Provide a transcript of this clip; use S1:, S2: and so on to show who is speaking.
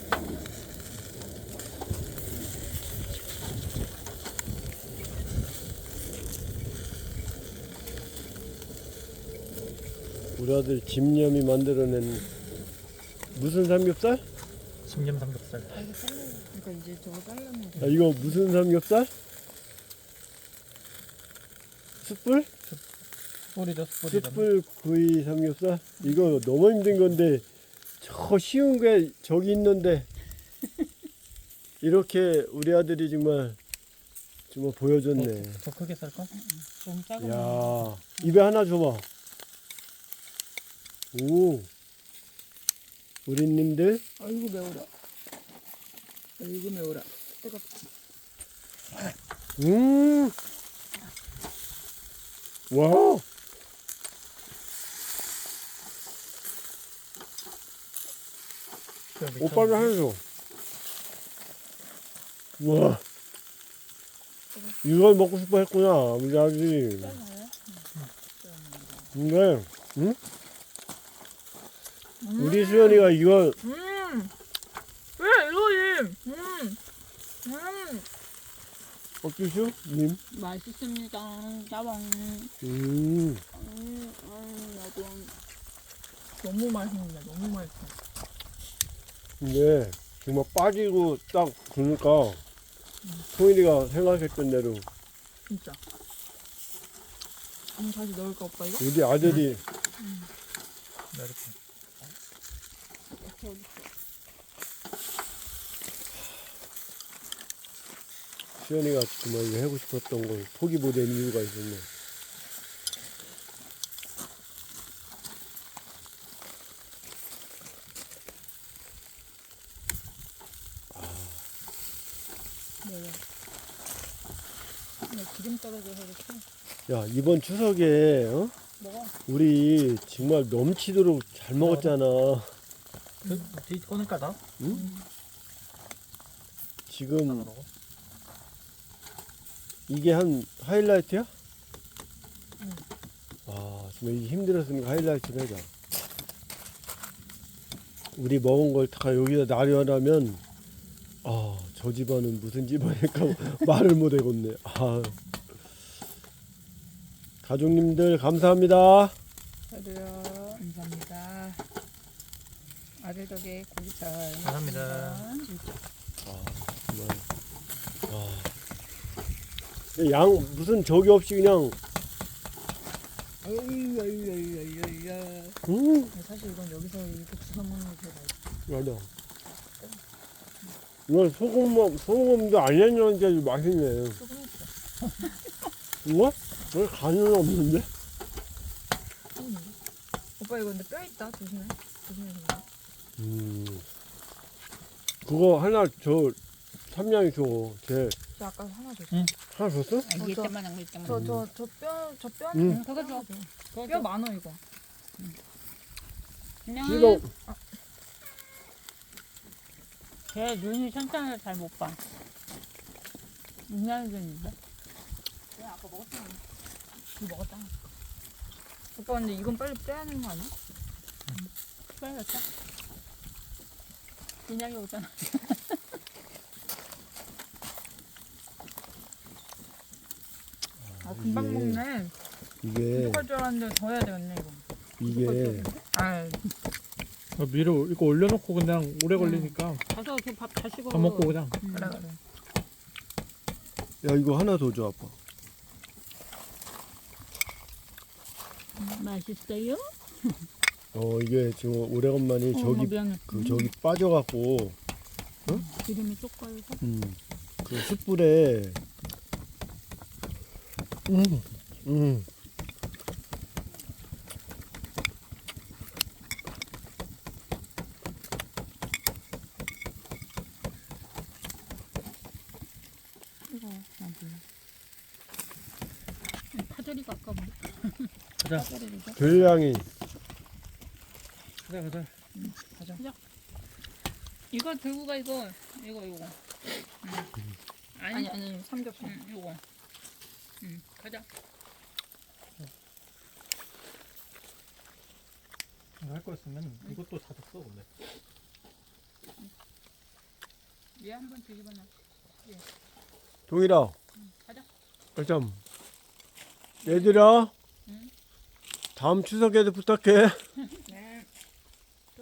S1: 우리 아들 집념이 만들어낸 무슨 삼겹살?
S2: 집념 삼겹살.
S3: 아, 이거 잘라. 그러니까 이제 저거 잘라면 돼.
S1: 아, 이거 무슨 삼겹살? 숯불?
S2: 숯불이죠, 숯불이죠.
S1: 숯불 구이 삼겹살? 이거 너무 힘든 건데 저 쉬운 게 저기 있는데 이렇게 우리 아들이 정말 보여줬네.
S2: 더 크게 썰까?
S3: 좀 작은 거.
S1: 야, 입에 하나 줘봐. 오, 우리님들
S3: 아이고 매워라. 아이고 매워라. 뜨겁.
S1: 와, 오빠를 하나 줘. 와, 이걸 먹고 싶어 했구나, 우리 아들이. 근데, 응? 우리 수연이가 이걸
S3: 왜 이거지?
S1: 어떠시오? 님?
S3: 맛있습니다. 짜방. 너무 맛있네. 너무 맛있어.
S1: 근데 정말 빠지고 딱 그러니까 소인이가 생각했던 대로
S3: 진짜. 다시 넣을까 오빠 이거?
S1: 우리 아들이
S2: 이렇게.
S1: 수연이가 정말 이거 하고 싶었던 걸 포기 못한 이유가 있었네.
S3: 네, 기름 떨어져서 이렇게
S1: 야, 이번 추석에
S3: 먹어.
S1: 우리 정말 넘치도록 잘 먹었잖아.
S2: 뒤 꺼낼까 나?
S1: 지금 이게 한 하이라이트야? 와, 정말 이게 힘들었으니까 하이라이트를 하자. 우리 먹은 걸 다 여기다 나열하면 저 집안은 무슨 집안일까 말을 못 해겠네. 가족님들 감사합니다.
S3: 저도요. 감사합니다. 아들 덕에 고기 잘
S2: 감사합니다.
S1: 정말. 근데 양 무슨 저기 없이 그냥
S3: 사실 이건 여기서 이렇게 주워 먹는 게 제일 맛있어.
S1: 맞아. 이건 소금도 안 했는데 맛있네.
S3: 조금 있어.
S1: 이거? 왜 간은 없는데?
S3: 오빠 이거 근데 뼈 있다. 조심해. 조심해서 먹어.
S1: 그거 하나 저 삼양이 줘. 걔
S3: 저 아까 하나 줬어.
S2: 응.
S1: 하나 줬어?
S4: 이게 때만 한 거 있잖아.
S3: 저 뼈는
S1: 응.
S3: 그거 줘. 뼈 많어 이거.
S1: 이거
S4: 걔 눈이 천천히 잘 못 봐. 인간이 되는데.
S3: 내가 아까 먹었잖아. 이거 먹었잖아. 오빠 근데 이건 빨리 빼야 하는 거 아니야?
S4: 빨렸어. 인양이 오잖아.
S3: 금방 먹네.
S1: 이게
S3: 부족할 줄 알았는데 더 해야 되겠네 이거.
S1: 이게
S3: 아,
S2: 위로 이거 올려놓고 그냥 오래 걸리니까
S4: 가서 밥 잘 식어.
S2: 밥 먹고 그냥.
S3: 그래 그래.
S1: 야 이거 하나 더 줘 아빠.
S4: 맛있어요?
S1: 이게 지금 오래간만에 저기
S4: 미안해.
S1: 저기 빠져갖고
S4: 기름이 쪽가여서.
S1: 그 숯불에
S4: 이거 난 몰라. 파절이가 아까워.
S2: 가자.
S4: 파절이 줘.
S1: 별량이
S2: 가자.
S4: 이거 들고 가 이거. 이거.
S3: 아니 삼겹살.
S4: 이거. 가자.
S2: 할 거였으면 이것도 다 줬어 근데.
S4: 얘 한번 뒤집어놔.
S1: 동일아.
S4: 가자.
S1: 일단 얘들아.
S4: 응.
S1: 다음 추석에도 부탁해.